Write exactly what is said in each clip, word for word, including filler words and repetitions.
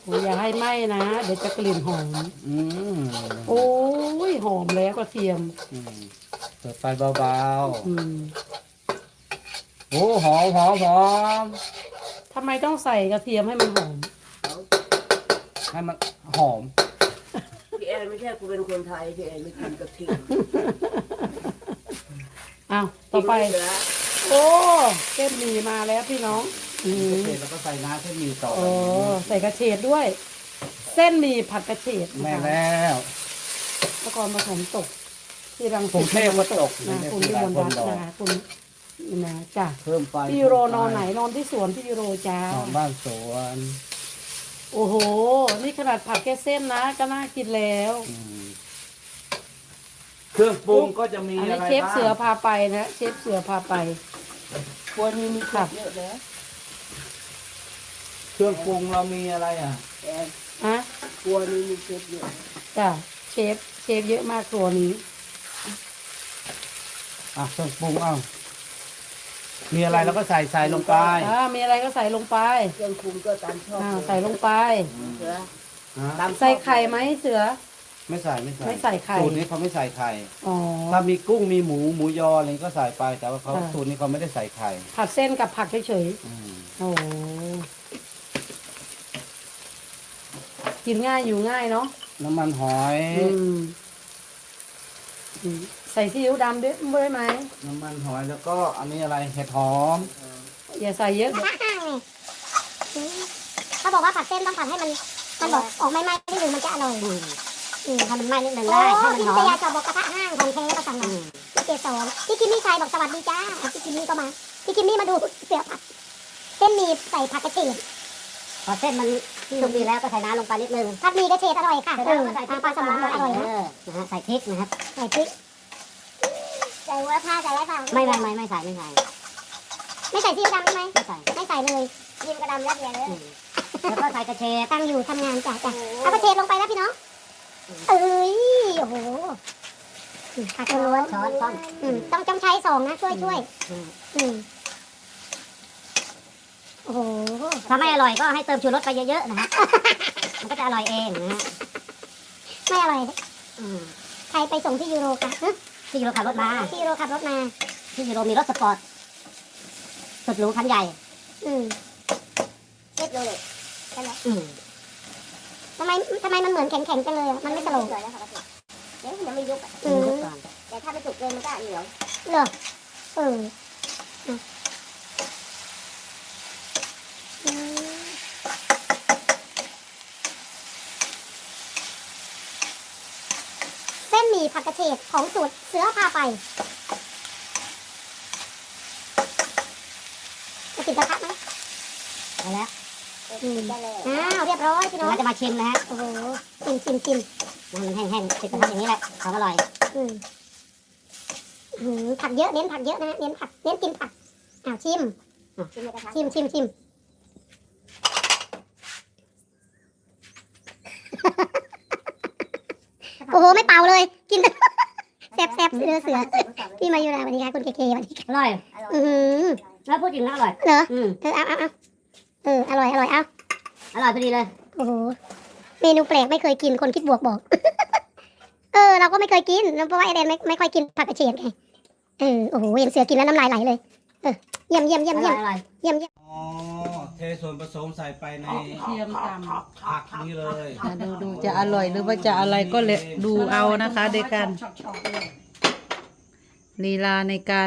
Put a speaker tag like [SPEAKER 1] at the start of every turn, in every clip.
[SPEAKER 1] อ้ยอย่าให้ไหม้นะเดี๋ยวจะกลิ่นหอม
[SPEAKER 2] อืม
[SPEAKER 1] โอ้ยหอมแล้วกระเทียม
[SPEAKER 2] อืมเปิดไฟเบา
[SPEAKER 1] อืม
[SPEAKER 2] ๆโอ้หอมหอมหอม
[SPEAKER 1] ทำไมต้องใส่กระเทียมให้มันหอม
[SPEAKER 2] ให้มันหอม
[SPEAKER 3] พี่แอนไม่ใช่กูเป็นคนไทยพี่แอนไม่กินกะทิ
[SPEAKER 1] อ้าวต่อไป
[SPEAKER 3] กินม่เหลือ
[SPEAKER 1] โอ้เส้นหมี่มาแล้วพี่น้อง อืม
[SPEAKER 2] เสร็จแล้วก็ใส่น้ำเส้นหมี่ต่อ
[SPEAKER 1] โอ้ใส่กระเฉดด้วย เส้นหมี่ผัดกระเฉด
[SPEAKER 2] แม่
[SPEAKER 1] นะคะ
[SPEAKER 2] แล้ว
[SPEAKER 1] ตะกอนผสมตก ที่รัง
[SPEAKER 2] กรุงเทพก็ตก
[SPEAKER 1] นะคุณ
[SPEAKER 2] ที่
[SPEAKER 1] วิ
[SPEAKER 2] ร้าม น
[SPEAKER 1] ล
[SPEAKER 2] คน
[SPEAKER 1] รัต
[SPEAKER 2] ดอก
[SPEAKER 1] น์นะคะคุณนะจ้ะ
[SPEAKER 2] เพิ่มไฟ
[SPEAKER 1] พี่ยูโรนอนไหนนอนที่สวนพี่ยูโรจ้าน
[SPEAKER 2] อนบ้านสวน
[SPEAKER 1] โอ้โห นี่ขนาดผัดแค่เส้นนะ ก็น่ากินแล้ว
[SPEAKER 2] อืมเครื่องปรุงก็จะมี
[SPEAKER 1] อัน
[SPEAKER 2] อะ
[SPEAKER 1] นี้
[SPEAKER 2] ไร
[SPEAKER 1] เชฟ
[SPEAKER 2] บ้าง
[SPEAKER 1] เสือพาไปนะเชฟเสือพาไป
[SPEAKER 3] ครัวนี้มีผักเยอะนะ
[SPEAKER 2] เครื่องปรุงเรามีอะไรอ่ะ
[SPEAKER 3] แอน
[SPEAKER 1] อะ
[SPEAKER 3] ครัวนี้มีเชฟเยอะ
[SPEAKER 1] จ้ะเชฟเชฟเยอะมากตัวนี้
[SPEAKER 2] อ่ะเครื่องปรุงเอามีอะไรเราก็ใส่ใส่ลงไป
[SPEAKER 1] อ่ามีอะไรก็ใส่ลงไป
[SPEAKER 3] เครื่องปรุงก็ตามชอบ
[SPEAKER 1] อ่า
[SPEAKER 3] เลย
[SPEAKER 1] ใส่ลงไป
[SPEAKER 3] เสือ
[SPEAKER 2] ฮะ
[SPEAKER 3] ตามชอบ
[SPEAKER 1] ใส่ไข่ไหมเสือ
[SPEAKER 2] ไม่ใส่ไม่ใส่
[SPEAKER 1] ไม่ใส่ไข่
[SPEAKER 2] สูตรนี้เขาไม่ใส่ไข่
[SPEAKER 1] อ๋อ
[SPEAKER 2] ถ้ามีกุ้งมีหมูหมูยออะไรก็ใส่ไปแต่ว่าเขา
[SPEAKER 1] ค่ะ
[SPEAKER 2] สูตรนี้เขาไม่ได้ใส่ไข่
[SPEAKER 1] ผัดเส้นกับผักเฉย
[SPEAKER 2] อืม
[SPEAKER 1] ๆโอ้โหกินง่ายอยู่ง่ายเนาะ
[SPEAKER 2] น้ำมันหอย
[SPEAKER 1] อืมอืมใส่ซีอิ๊วดำด้วยด้วยไหม
[SPEAKER 2] น้ำมันหอยแล้วก็อันนี้อะไรเห็ดหอม
[SPEAKER 1] อย่าใส่เยอะ
[SPEAKER 4] กระทะห้างไงอืมเขาบอกว่าผัดเส้นต้องผัดให้มัน มันบอกออกไม่ไหม้นิดนึงมันจะอร่อยอืม
[SPEAKER 5] ให้มันไหม้นิดนึง
[SPEAKER 4] โอ้
[SPEAKER 5] ได้ให้มัน
[SPEAKER 4] พี่
[SPEAKER 5] หอ
[SPEAKER 4] นิต
[SPEAKER 5] ม
[SPEAKER 4] ยาชอบบอกกระทะห้างของแท้ประสันหลังพี่เกศรพี่กิมมี่ชัยบอกสวัสดีจ้าอ่ะพี่กิมมี่ก็มา พี่กิมมี่มาดูเสือผัด เส้นหมี่ใส่ผักกระเฉด
[SPEAKER 5] พอเส้นมันสุกดีแล้วก็ใส่น้ำลงไปนิดนึง
[SPEAKER 4] ผัดหมี่กระเฉดอร่อยค่ะ
[SPEAKER 5] เสร็จ
[SPEAKER 4] เอ
[SPEAKER 5] แล้ว
[SPEAKER 4] อ
[SPEAKER 5] ก็ใส่พริ
[SPEAKER 4] ปลาก สมองบอกอร่อย
[SPEAKER 5] เอ
[SPEAKER 4] นะ
[SPEAKER 5] อนะฮะใส่พริกนะครับ
[SPEAKER 4] ใส่พริกใส่หัวผ้าใส่ไรเปล่า
[SPEAKER 5] ไม่ไม่ไม่ไม่ใส่ไม่ใส่
[SPEAKER 4] ไม่ใส่ซีอิ๊วดำใช่ไหม
[SPEAKER 5] ไม่ใส่
[SPEAKER 4] ไม่ใส่เลยยิมกระดำยัดเยียดเลย
[SPEAKER 5] อืมแล้วก็ใส่กระเฉด
[SPEAKER 4] ตั้งอยู่ทำงานจ้ะจ้ะเอากระเฉดลงไปแล้วพี่น้องเอ้ยโอ้โหอืมผักล้วน
[SPEAKER 5] ช้อนช้อน
[SPEAKER 4] ๆอืมต้องต้องใช้สองนะช่วยช่วย
[SPEAKER 5] อืม
[SPEAKER 4] อืมโอ้โห
[SPEAKER 5] ถ้าไม่อร่อยก็ให้เติมชูรสไปเยอะๆนะฮะมันก็จะอร่อยเองนะฮะ
[SPEAKER 4] ไม่อร่อย
[SPEAKER 5] อืม
[SPEAKER 4] ใครไปส่งที่ยูโรคะฮะ
[SPEAKER 5] ที่ยูโรขับรถมา
[SPEAKER 4] ที่ยูโรขับรถมา
[SPEAKER 5] ที่ยูโรมีรถสปอร์ตสุดหรูคันใหญ่
[SPEAKER 4] อืมเรียบร้อยใช่ไหม
[SPEAKER 5] อืม
[SPEAKER 4] ทำไมทำไมมันเหมือนแข็งๆจังเลยอะมันไม่สโลว์
[SPEAKER 3] เดี๋ยวยังไม่ยุบอะ
[SPEAKER 4] อืม
[SPEAKER 5] ดูก่อน
[SPEAKER 3] แต่ถ้าไม่สุกเกินมันก็เหนียว
[SPEAKER 4] เหรอเอออ่ะอืมเส้นหมี่ผักกระเฉดของสูตรเสือพาไปจะติดกระทะไหม
[SPEAKER 5] ไปแล้ว
[SPEAKER 4] อืม
[SPEAKER 3] ได้เลย
[SPEAKER 4] อ้าวเรียบร้อยพี่น้อง
[SPEAKER 5] เราจะมาชิมนะฮะ
[SPEAKER 4] โอ้โหชิมชิมชิม
[SPEAKER 5] มันแห้งๆติดกระทะอย่างนี้แหละของอร่อย
[SPEAKER 4] อืมอืมผักเยอะเน้นผักเยอะนะเน้นผักเน้นกินผักอ้าวชิม
[SPEAKER 3] ชิมในกระทะ
[SPEAKER 4] ชิมชิมชิม โอ้โหไม่เป่าเลยกิน แซ่บแซ่บเสือเสือพี่มาอยู่นะสวัสดีค่ะคุณเคเคสวัสดีค่ะ
[SPEAKER 5] อร่อย
[SPEAKER 4] อือหือ
[SPEAKER 5] แล้วพูดจริงนะอร่อย
[SPEAKER 4] เหรอ
[SPEAKER 5] อืม
[SPEAKER 4] เออเอาเอาเอาเอออร่อยอร่อยเอา
[SPEAKER 5] อร่อยพอดีเลย
[SPEAKER 4] โอ้โหเมนูแปลกไม่เคยกินคนคิดบวกบอก เออ เราก็ไม่เคยกินเพราะว่าไอเดนไม่ไม่ค่อยกินผักกระเฉดไงเออโอ้โหเห็นเสือกินแล้วน้ำลายไหลเลยเออเยี่ยมเยี่ยมเยี่ยม
[SPEAKER 5] อ
[SPEAKER 4] เยี่
[SPEAKER 5] ร่
[SPEAKER 4] ย
[SPEAKER 5] อ
[SPEAKER 4] ม
[SPEAKER 5] ยอร่อย
[SPEAKER 4] เยี่ยมเยี่ยม
[SPEAKER 2] อ๋อเทส่วนผสมใส่ไปใน
[SPEAKER 1] เทียมต
[SPEAKER 2] ผักนี้เลย
[SPEAKER 1] ำดูดูจะอร่อยหรือว่าจะอะไรก็เลยดูเอานะคะในการลีลาในการ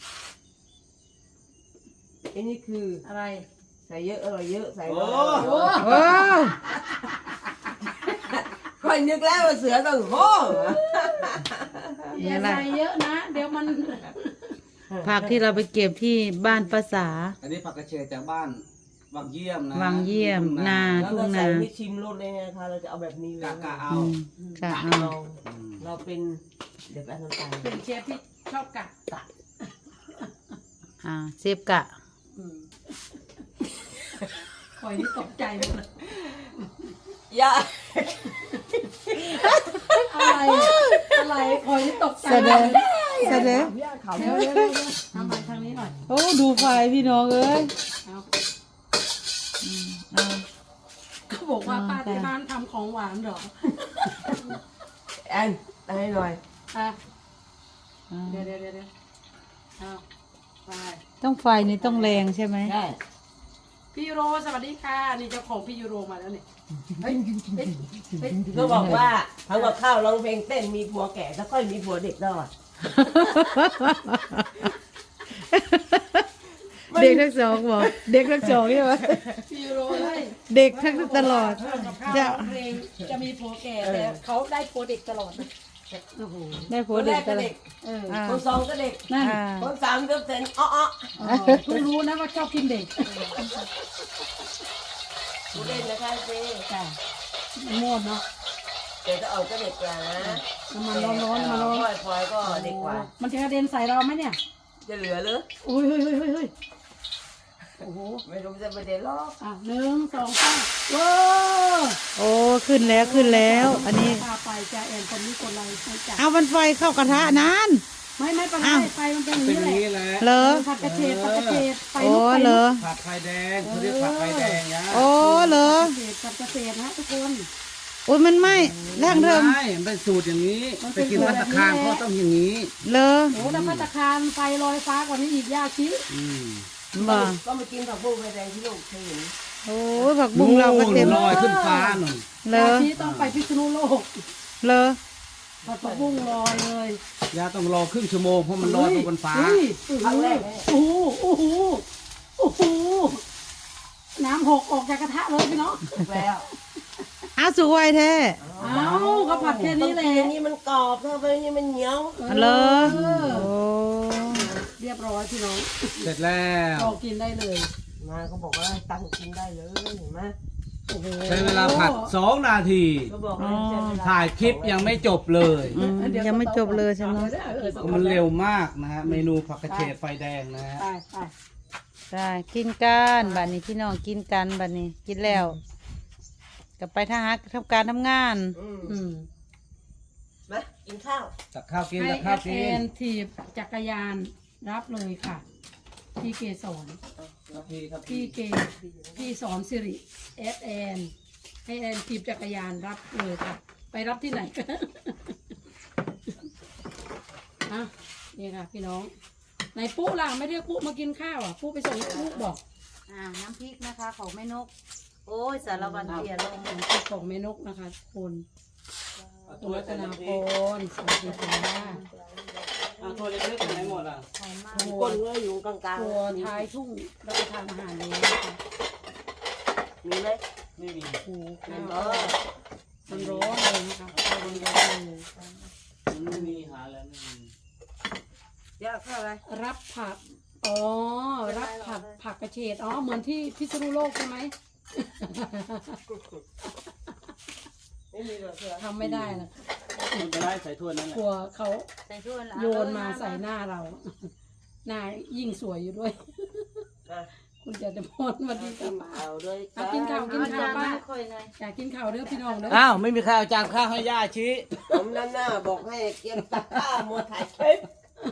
[SPEAKER 3] อันนี้คือ
[SPEAKER 1] อะไร
[SPEAKER 3] ใส่เยอะอร่อยเยอะใส่
[SPEAKER 2] โอ้
[SPEAKER 1] โอ้
[SPEAKER 3] ค่อยนึกแล้วว่าเสือต้องโอ้
[SPEAKER 1] อย่าใส่เยอะนะ เดี๋ยวมัน ผักที่เราไปเก็บที่บ้านภาษา
[SPEAKER 2] อันนี้ผักกระเฉดจากบ้านวังเยี่ยมนะ
[SPEAKER 1] วังเยี่ยมนา
[SPEAKER 3] แล้วก็ใส่ไม่ชิมรสเลยนะคะเราจะเอาแบบนี้เลย
[SPEAKER 2] กะกะเอา
[SPEAKER 1] อืมค่ะเอา
[SPEAKER 3] เรา
[SPEAKER 2] อืม
[SPEAKER 3] เราเป็นเดี๋ยวแป๊บน้ำตาล
[SPEAKER 1] เป็นเชฟที่ชอบกัดอ่าเชฟกะคอยนี่ตกใจหมดเลย
[SPEAKER 3] อย่า
[SPEAKER 1] อะไรอะไรคอยนี่ตกใจ
[SPEAKER 6] แสดงแสดง
[SPEAKER 3] อย่าเขา
[SPEAKER 1] เดี๋ยวเดี๋ยวเดี๋ยวทำมาทางนี้หน่อย
[SPEAKER 6] โอ้ดูไฟพี่น้องเอ้ย
[SPEAKER 1] เอา
[SPEAKER 6] เอา
[SPEAKER 1] เขาบอก
[SPEAKER 7] ว่าป้าที่บ้านทำของหวานเหรอ
[SPEAKER 3] แอนให้หน่อย
[SPEAKER 7] อ่ะเดี๋ยวเดี๋ยวเดี๋ยวเอาไป
[SPEAKER 1] ต้องไฟนี่ต้องแรงใช่ไหม
[SPEAKER 3] ใช่
[SPEAKER 7] พี่ยูโรสวัสดีค่ะนี่เจ้าของพี่ยูโรมาแล้วนี่เฮ้ยเฮ้ยเฮ้ย
[SPEAKER 3] เขาบอกว่าทำกับข้าวร้องเพลงเต้นมีผัวแก่แล้วค่อยมีผัวเด็กได้
[SPEAKER 1] เด็กทั้งสองบอกเด็กทั้งสองใช่ไหม
[SPEAKER 7] พี่ยูโรเลย
[SPEAKER 1] เด็กทั้งตลอด
[SPEAKER 7] กับข้าว
[SPEAKER 1] จะ
[SPEAKER 7] ร้องเพลงจะมีผัวแก่แต่เขาได้ผัวเด็กตลอดโอ้โห
[SPEAKER 1] ได้ผั
[SPEAKER 3] คว
[SPEAKER 1] วน
[SPEAKER 3] แร
[SPEAKER 1] เด็ก
[SPEAKER 3] ก
[SPEAKER 1] ต
[SPEAKER 3] ก็
[SPEAKER 1] ลอ
[SPEAKER 3] เด็
[SPEAKER 1] ด
[SPEAKER 3] ก
[SPEAKER 7] เออ
[SPEAKER 1] อ่า
[SPEAKER 3] คนสองก็เด็ก
[SPEAKER 7] นั่น
[SPEAKER 1] อ่า
[SPEAKER 3] คนสามก็เซนอ้ออ้อ
[SPEAKER 7] เออเพิ่งรู้นะว่าชอบกินเด็ก
[SPEAKER 3] ผู้เล่นนะคะเจ๊
[SPEAKER 7] จ้ะโมดเนาะ
[SPEAKER 3] แต่จะเอาก็เด็กกว่านะ
[SPEAKER 7] น้ำมันร้อนๆมาร้อน
[SPEAKER 3] พลอยพลอยก็เด็กกว่า
[SPEAKER 7] มันจะกระเด็นใส่เราไหมเนี่ย
[SPEAKER 3] จะเหลือหรือ
[SPEAKER 7] อุ้ยเฮ้ยเฮ้ยเฮ้ยเฮ้ยโอ้โห
[SPEAKER 3] ไม่รู้จะประเด็นหรอก
[SPEAKER 7] อ่ะหนึ่งสองสามว้า
[SPEAKER 1] โอ้ขึ้นแล้วขึ้นแล้ว อันนี้
[SPEAKER 7] พาไปจ้าแอนคนนี้คนไรให้จ้ะ
[SPEAKER 1] เอามันไฟเข้ากระทะนาน
[SPEAKER 7] ไม่ไม่เป็นไร
[SPEAKER 1] อ้าว
[SPEAKER 7] ไฟมันเป็นอย่าง
[SPEAKER 2] เป็น
[SPEAKER 7] นี้
[SPEAKER 2] อย่าง
[SPEAKER 7] แหละ
[SPEAKER 2] นี้แหละ
[SPEAKER 1] เหรอ
[SPEAKER 7] ผัดกระเฉดผัดกระเฉดไฟ
[SPEAKER 1] โอ้
[SPEAKER 7] ลุกไฟ
[SPEAKER 1] เหร
[SPEAKER 7] ลุ
[SPEAKER 1] อก
[SPEAKER 2] ผัดไฟแดงเขาเรียกผัดไฟแดงนะ
[SPEAKER 1] โอ้เหรอ
[SPEAKER 7] ผัดกระเฉดผัดกระเฉดนะทุกคน
[SPEAKER 1] โอ้ยมันไหม้แรงเทิม
[SPEAKER 2] ไม่มันเป็นสูตรอย่างนี้ไปกินพัตตาคารเขาต้องอย่างนี้
[SPEAKER 1] เหรอ
[SPEAKER 7] โอ้แต่พัตตาคารไฟลอยฟ้ากว่านี้อีกยากชิ
[SPEAKER 2] อืม
[SPEAKER 1] บ่
[SPEAKER 3] ก็มากินผักบุ้งไฟแดงที่ลูกเคยเห็น
[SPEAKER 1] โอ้ยผักบุ้งเราก็เต็ม
[SPEAKER 2] ลอยขึ้นฟ้าหน่อย
[SPEAKER 1] เหรอย
[SPEAKER 7] ากชิต้องไปพิษณุโลก
[SPEAKER 1] เหรอ
[SPEAKER 7] ผัดผักบุ้งลอยเลย
[SPEAKER 2] ยาต้องรอครึ่งชั่วโมงเพราะมันลอยไปบนฟ้า
[SPEAKER 7] เฮ้ยครั้งแรกโอ้โหโอ้โหโอ้โหน้ำหกออกจากกระทะเลยพี่น้อง
[SPEAKER 3] แล้ว
[SPEAKER 1] อ้าวสวยแท้
[SPEAKER 7] เอ้าก็ผัดแค่นี้แหละ
[SPEAKER 3] อันนี้มันกรอบถ้าไปนี่มันเหนียว
[SPEAKER 1] เหรอ
[SPEAKER 7] เออ
[SPEAKER 1] โอ้
[SPEAKER 7] เรียบร้อยพี่น้อง
[SPEAKER 2] เสร็จแล้ว
[SPEAKER 7] ก็กินได้เลย
[SPEAKER 3] มาเขาบอกว่าตั้งกินได้เลยเห็นไหม
[SPEAKER 7] โอ้โห
[SPEAKER 2] ใช้เวลาผัดสองนาที
[SPEAKER 3] เขาบอกว่าใช้เวล
[SPEAKER 2] ถ่ายคลิปยังไม่จบเลย
[SPEAKER 1] อืมยังไม่จบเลยใช่ไหม
[SPEAKER 2] มันเร็วมากนะฮะเมนูผักกระเฉดไฟแดงนะฮะ
[SPEAKER 7] ไปไป
[SPEAKER 1] ได้กินกันบัดนี้พี่น้องกินกันบัดนี้กินแล้วกลับไปทหารทำการทำงาน
[SPEAKER 3] อืม
[SPEAKER 7] อืม
[SPEAKER 3] มากินข้าว
[SPEAKER 2] ตักข้าวกิน
[SPEAKER 7] ให้
[SPEAKER 2] ตัก
[SPEAKER 7] แอ
[SPEAKER 2] ข้าว
[SPEAKER 7] ด
[SPEAKER 2] กิ
[SPEAKER 7] เอน นถีบจักรยานรับเลยค่ะ พี่เกสร
[SPEAKER 2] ครับพี่ครับ
[SPEAKER 7] พี่เกพี่สอนสิริแอดแอนให้แอนถีบจักรยานรับเลยค่ะ ไปรับที่ไหนกัน อ่ะนี่ค่ะพี่น้องไหนปุ๊ล่ะไม่เรียกปุ๊มากินข้าวอ่ะปุ๊ไปส่งปุ๊บอก
[SPEAKER 1] อ่าน้ำพริกนะคะของแม่นก โอ้ยสารวันเตียลง
[SPEAKER 7] เป็นของแม่นกนะคะทุกคนตัวรัตนาพรสวัสดีค่ะ
[SPEAKER 2] อ่ะตัวเล็กๆไหนหมดอ่ะ
[SPEAKER 1] หอมมาก
[SPEAKER 7] ตัว
[SPEAKER 3] ก้นก็อยู่กลางๆ
[SPEAKER 7] ตัวท้ายทุ่งรับประทานอาหารเลยนะคะ
[SPEAKER 3] มีไหม
[SPEAKER 2] ไม่มี
[SPEAKER 7] โอ้โห
[SPEAKER 3] มี
[SPEAKER 7] ข้าว
[SPEAKER 3] เออ
[SPEAKER 7] มันร้อนเลยนะคะข้าวมันร้อนเลย
[SPEAKER 2] มันไม่มีหาแล้วไม่มี
[SPEAKER 3] ยากข้าวอะไร
[SPEAKER 7] รับผักอ๋อรับผักผักกระเฉดอ๋อเหมือนที่พิษณุโลกใช่ไหม
[SPEAKER 3] ไม่มีหรอกเถอะ
[SPEAKER 7] ทำไม่ได้นะ
[SPEAKER 2] มันจะได้ใส่ถ้วยนั่นแห
[SPEAKER 7] ก
[SPEAKER 2] ละ
[SPEAKER 7] ลัวเขา
[SPEAKER 1] ใส่ถ้วยละ
[SPEAKER 7] โยนมาใส่หน้าเรา หน้ายิ่งสวยอยู่ด้วย
[SPEAKER 3] นะ
[SPEAKER 7] คุณจะจะพนวันดีกับป้า
[SPEAKER 3] เอาด้วย
[SPEAKER 7] อ่ะกินข้าวกินข้าวป้า
[SPEAKER 1] ค่อยหน่อย
[SPEAKER 7] อยากกินข้าวเด้อพี่น้องเด้อ
[SPEAKER 2] อ้าวไม่มีใครเอาจานข้าวให้ย่าชี้
[SPEAKER 3] ผมนั่นน่ะบอกให้เกียมตักข้าวมัวถ่ายคลิป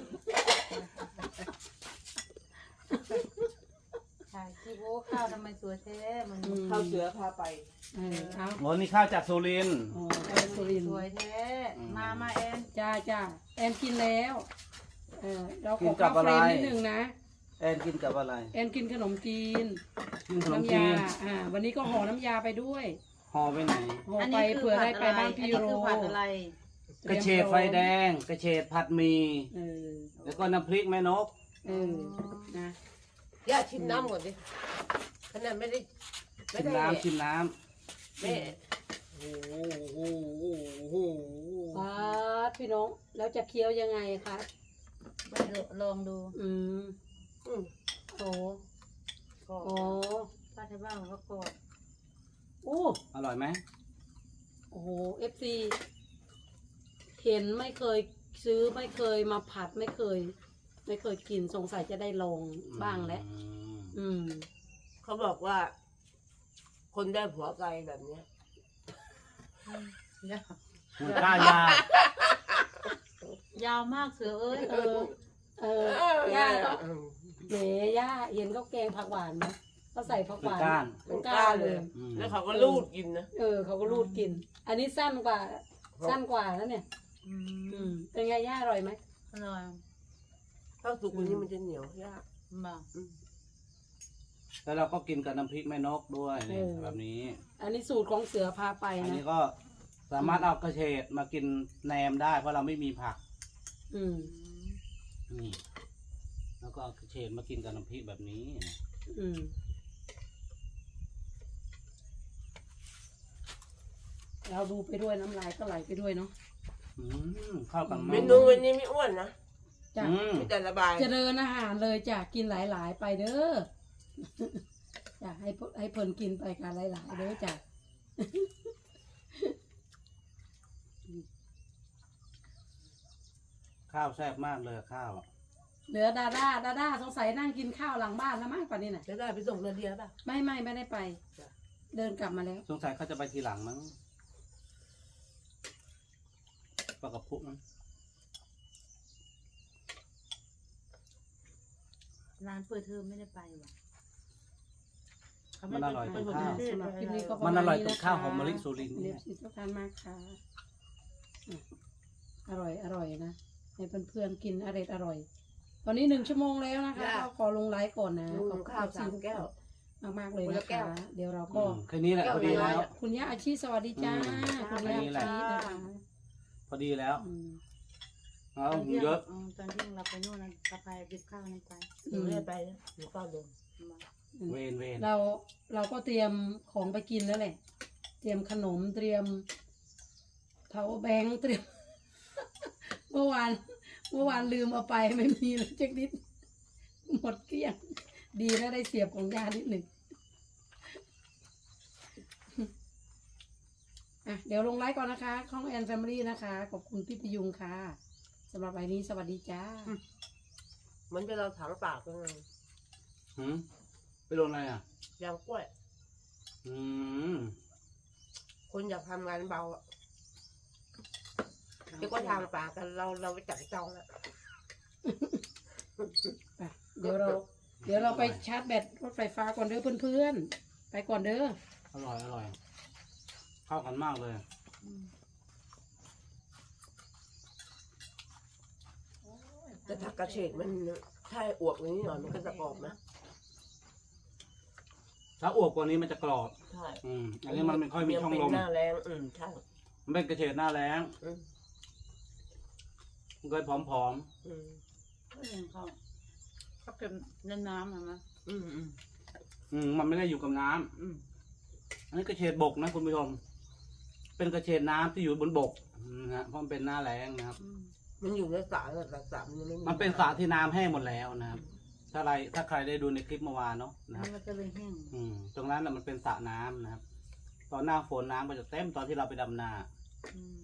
[SPEAKER 1] ถ่ายคลิปโอ้ข้าวทำไมสวยแท้มัน
[SPEAKER 3] ข้าวเสือพาไป
[SPEAKER 7] เออเอา
[SPEAKER 2] โอ้นี่ข้าวจากสุรินทร์
[SPEAKER 7] อ๋อไปสุรินท
[SPEAKER 1] ส
[SPEAKER 7] ร์
[SPEAKER 1] วยแท้มามาแอน
[SPEAKER 7] จ้าจ้าแอนกินแล้วเออเราขอข้าวเฟรมนิดนึงนะ
[SPEAKER 2] แอนกินกับอะไร
[SPEAKER 7] แอนกินขนมจีน
[SPEAKER 2] กินขนม
[SPEAKER 7] น้ำ
[SPEAKER 2] จี
[SPEAKER 7] ยาน อ่า วันนี้ก็ห่อน้ำยาไปด้วย
[SPEAKER 2] ห่อไปไหน
[SPEAKER 7] ห่อไปเผื่อได้ไปบ้านพี่โร
[SPEAKER 1] ผัดอะไร
[SPEAKER 2] กระเฉดไฟแดง กระเฉดผัดหมี
[SPEAKER 7] เออ
[SPEAKER 2] แล้วก็น้ำพริกแม่นก
[SPEAKER 7] เออนะ
[SPEAKER 3] ย่าชิมน้ำก่อนดิขนาดไม่ได้ไม่
[SPEAKER 2] ชิม
[SPEAKER 3] ได้
[SPEAKER 2] น้ำชิมน้
[SPEAKER 3] แม่
[SPEAKER 2] ำโอ้โหโอ้โห
[SPEAKER 7] ป้าดพี่น้องแล้วจะเคี้ยวยังไงคะ
[SPEAKER 1] ไม่รู้ลองดู
[SPEAKER 7] อืม
[SPEAKER 3] อืม
[SPEAKER 7] โอ้โอ้
[SPEAKER 1] ป้าที่บ้านเขากด
[SPEAKER 7] โอ้
[SPEAKER 2] อร่อยไหม
[SPEAKER 7] โอ้โหเอฟซีเห็นไม่เคยซื้อไม่เคยมาผัดไม่เคย ไม่เคยกินสงสัยจะได้ลองบ้างแล้ว
[SPEAKER 2] อืม
[SPEAKER 7] อืม
[SPEAKER 3] เขาบอกว่า คนได้ผัวไกลแบบเนี้ย
[SPEAKER 2] คุณกล้ายาย
[SPEAKER 1] าวมากเสือเอ้ย
[SPEAKER 7] เออ เออย่าก็แหมย่าเห็นเขาแกงผักหวานไหมเอเขาใส่ผักหวาน
[SPEAKER 2] ก้าน
[SPEAKER 7] เป็นก้านเลย
[SPEAKER 2] อืม
[SPEAKER 3] แล้วเขาก็ลูดกินนะ
[SPEAKER 7] เออเขาก็รูดกิน อันนี้สั้นกว่าสั้นกว่าแล้วเนี่ย
[SPEAKER 6] อืม
[SPEAKER 7] อืมเป็นไงย่าอร่อยไหม
[SPEAKER 6] อร่อย
[SPEAKER 3] ถ้าสุกกว่านี้มันจะเหนียวยาก
[SPEAKER 6] มา
[SPEAKER 2] แล้วเราก็กินกับน้ำพริกแม่นกด้วยนี่แบบนี้
[SPEAKER 7] อันนี้สูตรของเสือพาไป
[SPEAKER 2] อัน
[SPEAKER 7] นะ
[SPEAKER 2] นี้ก็สามารถเอากระเฉดมากินแหนมได้ เพราะเราไม่มีผัก
[SPEAKER 7] อืม
[SPEAKER 2] นี่แล้วก็เอากระเฉดมากินกับน้ำพริกแบบนี้
[SPEAKER 7] อืมเราดูไปด้วยน้ำลายก็ไหลไปด้วยเนาะ
[SPEAKER 2] อืมเข้ากัน
[SPEAKER 3] เม
[SPEAKER 2] มาก
[SPEAKER 3] นูวันนี้ไม่อ้วนนะ
[SPEAKER 7] จ้ะ
[SPEAKER 2] อืม
[SPEAKER 3] มีแต่ระบาย
[SPEAKER 7] เจริญอาหารเลยจ้ะกินหลาย ๆ ไปเด้อ จ้ะให้เพิ่นให้เพิ่นกินไปกันหลาย ๆ เด้อจ้ะ
[SPEAKER 2] ข้าวแซ่บมากเลยข้าว
[SPEAKER 7] เหลือดาด้าดาด้าสงสัยนั่งกินข้าวหลังบ้านแล้วมั้งป่านนี้น่ะ
[SPEAKER 3] จะได้ไปส่งนาเดียป่ะ
[SPEAKER 7] ไม่ไม่ไม่ได้ไป เดินกลับมาแล้ว
[SPEAKER 2] สงสัยเขาจะไปทีหลังมั้งปลากระพุ้มั้ง
[SPEAKER 6] ร้านเปิดเทอมไม่ได้ไปว่ะ
[SPEAKER 2] มันอร่อยตรงข้าว
[SPEAKER 7] สำหรับคลิปนี้ก็ประ
[SPEAKER 2] มัน
[SPEAKER 7] มา
[SPEAKER 2] อ
[SPEAKER 7] ณ
[SPEAKER 2] ร่อย
[SPEAKER 7] นี้
[SPEAKER 2] ตร
[SPEAKER 7] นะ
[SPEAKER 2] ง
[SPEAKER 7] คะ
[SPEAKER 2] ข้าวหอมมะลิสุรินทร์
[SPEAKER 7] เรี
[SPEAKER 2] เนี่ย ย
[SPEAKER 7] บสิทุกท่านมากค่ะอ่ะ อร่อยอร่อยนะให้เพื่อนๆกินอร่อยอร่อย ตอนนี้หนึ่งชั่วโมงแล้วนะคะก็ขอลงไลฟ์ก่อนนะ
[SPEAKER 3] ลุ
[SPEAKER 7] ขอบ
[SPEAKER 3] ง
[SPEAKER 7] คุณ
[SPEAKER 3] ข้าวสามแก้ว
[SPEAKER 7] มากมากๆเลย
[SPEAKER 3] คน
[SPEAKER 7] นะ
[SPEAKER 3] ละแก้
[SPEAKER 7] คะ
[SPEAKER 3] ว
[SPEAKER 7] เดี๋ยวเรา
[SPEAKER 2] อื
[SPEAKER 7] ก็
[SPEAKER 2] มแค่นี้แหละพอดีแล้ว
[SPEAKER 7] คุณย่าอาชีสวัสดีจ้า
[SPEAKER 2] อืม
[SPEAKER 7] คุณย่าอาชีนะคะ
[SPEAKER 2] พอดีแล้ว
[SPEAKER 7] อืม
[SPEAKER 2] เอา
[SPEAKER 6] ตอนเที่ยง
[SPEAKER 2] เยอะ
[SPEAKER 6] อืมตอนเที่ยงเราไปนู่นนะเราไปดิบข้าวนั่นไป
[SPEAKER 3] หนูไม่ได้ไปนะหนูเฝ้าเดิน
[SPEAKER 6] มา
[SPEAKER 2] เวนเวน
[SPEAKER 7] เราเราก็เตรียมของไปกินแล้วแหละ เตรียมขนมเตรียมเทาแบงค์เตรียม เมื่อวานเมื่อวานลืมเอาไปไม่มีเลยเจ๊กนิด หมดเกลี้ยง ดีนะได้เสียบของยานิดหนึ่งอ่ะเดี๋ยวลงไลฟ์ก่อนนะคะของแอนแฟมิลี่นะคะ ขอบคุณพี่พยุงค่ะสำหรับวันนี้สวัสดีจ้า
[SPEAKER 3] เหมันจะเราถังปากยังไง
[SPEAKER 2] หืมไปโดนอะไรอ่ะ
[SPEAKER 3] ยางกล้วย
[SPEAKER 2] อืม
[SPEAKER 3] คนอยากทำงานเบาอ่ะเดี๋ยวก็ทางปากกันเราเราไปจับจองอ่ะ
[SPEAKER 7] ไปเดี๋ยวเรา เดี๋ยวเราไปชาร์จแบตรถไฟฟ้าก่อนเด้อเพื่อนๆ ไปก่อนเด้อ
[SPEAKER 2] อร่อยอร่อย เข้ากันมากเลย
[SPEAKER 3] แต่ผักกระเฉดมันถ้าอวบอย่างนี้หน่อยมันก็จะกรอบนะ
[SPEAKER 2] ถ้าอวบกว่านี้มันจะกรอบ
[SPEAKER 3] ใช่
[SPEAKER 2] อืมอันนี้มันไม่ค่อยมีช่องลม
[SPEAKER 3] เป็นหน้าแรงอืมใช่
[SPEAKER 2] มันเป็นกระเฉดหน้าแรง
[SPEAKER 3] อืม
[SPEAKER 2] มันเคยผอม
[SPEAKER 3] อืม
[SPEAKER 6] ก็ยังเขาเขาเก็บในน้ำนะนะ
[SPEAKER 3] อืมอืม
[SPEAKER 2] ๆอืมมันไม่ได้อยู่กับน้ำ
[SPEAKER 3] อืม
[SPEAKER 2] อันนี้กระเฉดบกนะคุณผู้ชม เป็นกระเฉดน้ำที่อยู่บนบกนะฮะเพราะมันเป็นหน้าแรงนะครับ
[SPEAKER 6] อืม
[SPEAKER 3] มันอยู่ในสระแต่สระมันยังไม่มี
[SPEAKER 2] มันเป็นสระที่น้ำแห้งหมดแล้วนะครับ ถ้าใครถ้าใครได้ดูในคลิปเมื่อวานเนาะนะค
[SPEAKER 6] มั
[SPEAKER 2] รับ
[SPEAKER 6] นก็จะเลยแห้ง
[SPEAKER 2] อืมตรงนั้นน่ะมันเป็นสระน้ำนะครับ ตอนหน้าฝนน้ำก็จะเต็มตอนที่เราไปดำนา
[SPEAKER 6] อืม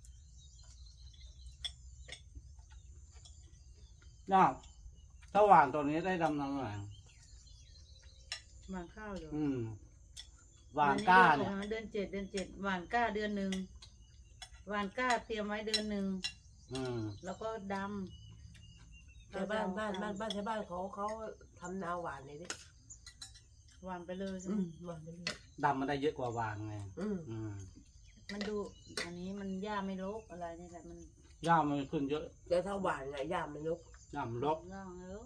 [SPEAKER 2] น่าถ้าหว่านตอนนี้ได้ดำนาหน่อย
[SPEAKER 6] หวานข้าวอยู่
[SPEAKER 2] อืมหว่านกล้าเนี่ย
[SPEAKER 6] เดือนเจ็ดเดือนเจ็ดหวานกล้าเดือนหนึ่งหวานกล้าเตรียมไว้เดือนหนึ่ง
[SPEAKER 2] อืม
[SPEAKER 6] แล้วก็ดำ
[SPEAKER 3] แต่บ้านบ้านบ้านบ้านชาวบ้านเขาเขาทำนาหวานเลยดิ
[SPEAKER 6] หวานไปเลยใช่
[SPEAKER 3] อื
[SPEAKER 6] ไหม
[SPEAKER 3] มหวานไปเลย
[SPEAKER 2] ดำมันได้เยอะกว่าหวานไง
[SPEAKER 3] อืม
[SPEAKER 2] อืม
[SPEAKER 6] มันดูอันนี้มันหญ้าไม่รกอะไรนี่แหละมัน
[SPEAKER 2] หญ้ามันขึ้นเยอะ
[SPEAKER 3] แต่ถ้าหวานไงย่ามมันลุก
[SPEAKER 2] หญ้ามันรก
[SPEAKER 6] ร่างแล้ว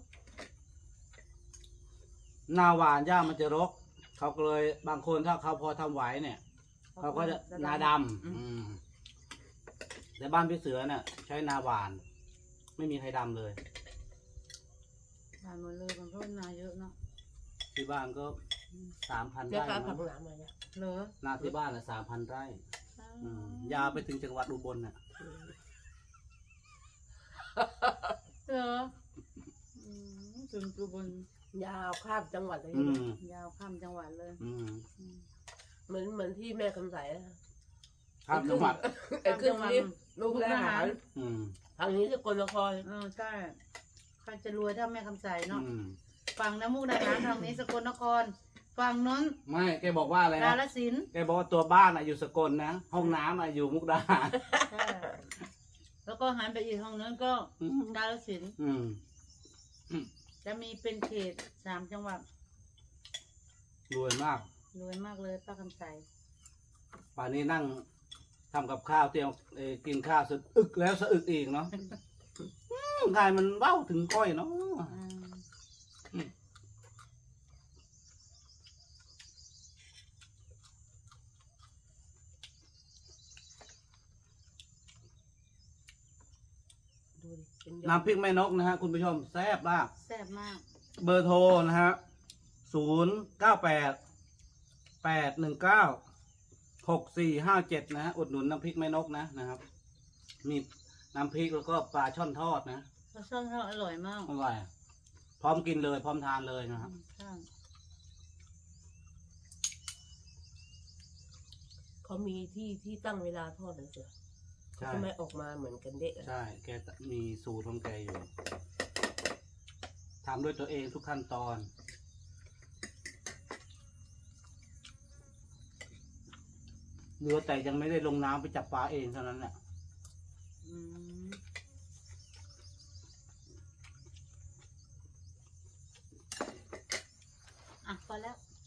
[SPEAKER 2] หน้าหวานหญ้ามันจะรก เขาก็เลยบางคนถ้าเขาพอทำไหวเนี่ย เขาก็จะนาดำอืมแต่บ้านพี่เสือเนี่ยใช้นาหวาน ไม่มีใครดำเลย
[SPEAKER 6] หวานหมดเลยมันเพราะนาเยอะเนาะ
[SPEAKER 2] ที่บ้านก็สามพัน
[SPEAKER 3] เดี๋ยว
[SPEAKER 2] ไร่
[SPEAKER 3] การผั
[SPEAKER 2] มั้
[SPEAKER 3] ก
[SPEAKER 2] ง
[SPEAKER 3] หนามมาเนี่ย
[SPEAKER 6] เหรอ
[SPEAKER 2] นาที่บ้านละสามพันไร่อืมยาวไปถึงจังหวัดอุบลน่ะ
[SPEAKER 6] เหรออืมถึงจุบน
[SPEAKER 3] ยาวข้ามจังหวัดเลย
[SPEAKER 2] อืม
[SPEAKER 6] ยาวข้ามจังหวัดเลย
[SPEAKER 2] อืม
[SPEAKER 6] อืม
[SPEAKER 3] เหมือนเหมือนที่แม่คำใสอะ
[SPEAKER 2] ข้ามจังหวัด
[SPEAKER 3] ไอ้ขึ้นนี้ลูกทหาร
[SPEAKER 2] อืม
[SPEAKER 3] ทางนี้สกลนคร
[SPEAKER 6] เออใช่ใครจะรวยเท่าแม่คำใสเนาะ
[SPEAKER 2] อืม
[SPEAKER 6] ฝั่งน้ำมูกดาหารทางนี้สกลนคร ฝั่งน้น
[SPEAKER 2] ไม่แกบอกว่าอะไร
[SPEAKER 6] กา
[SPEAKER 2] นะ
[SPEAKER 6] ฬสินธุ์
[SPEAKER 2] แกบอกว่าตัวบ้านอะอยู่สกลนะ ห้องน้ำอะอยู่มุกดาหาร
[SPEAKER 6] ใช่แล้วก็หันไปอีกห้องนั้นก็
[SPEAKER 2] อืม
[SPEAKER 6] กาฬสินธุ์
[SPEAKER 2] อืม
[SPEAKER 6] จะมีเป็นเขตสามจังหวัด
[SPEAKER 2] รวยมาก
[SPEAKER 6] รวยมากเลยป้าคำใส
[SPEAKER 2] ป่านนี้นั่งทำกับข้าวเตรียมเอ่อกินข้าวสะอึกแล้วสะอึกอีกเนาะอืมกายมันเบ้าถึงก้อยเนาะ
[SPEAKER 6] อืม
[SPEAKER 3] ดูดิเป็นยอด
[SPEAKER 2] น้ำพริกแม่นกนะฮะคุณผู้ชมแซ่บมาก
[SPEAKER 6] แซ่บมาก
[SPEAKER 2] เบอร์โทรนะฮะศูนย์เก้าแปดแปดหนึ่งเก้าหกสี่ห้าเจ็ดนะฮะอุดหนุนน้ำพริกแม่นกนะนะครับ มีน้ำพริกแล้วก็ปลาช่อนทอดนะ
[SPEAKER 6] ปลาช่อนทอดอร่อยมาก
[SPEAKER 2] อร่อยพร้อมกินเลยพร้อมทานเลยนะครับ
[SPEAKER 6] ใช่
[SPEAKER 3] เขามีที่ที่ตั้งเวลาทอดเลยเสือ
[SPEAKER 2] ใช่
[SPEAKER 3] ทำไมออกมาเหมือนกันเด็กอะ
[SPEAKER 2] ใช่ แกมีสูตรของแกอยู่ทำด้วยตัวเองทุกขั้นตอน เหลือแต่ยังไม่ได้ลงน้ำไปจับปลาเองเท่านั้นแหละ
[SPEAKER 6] อืมอ่ะพอแล้ว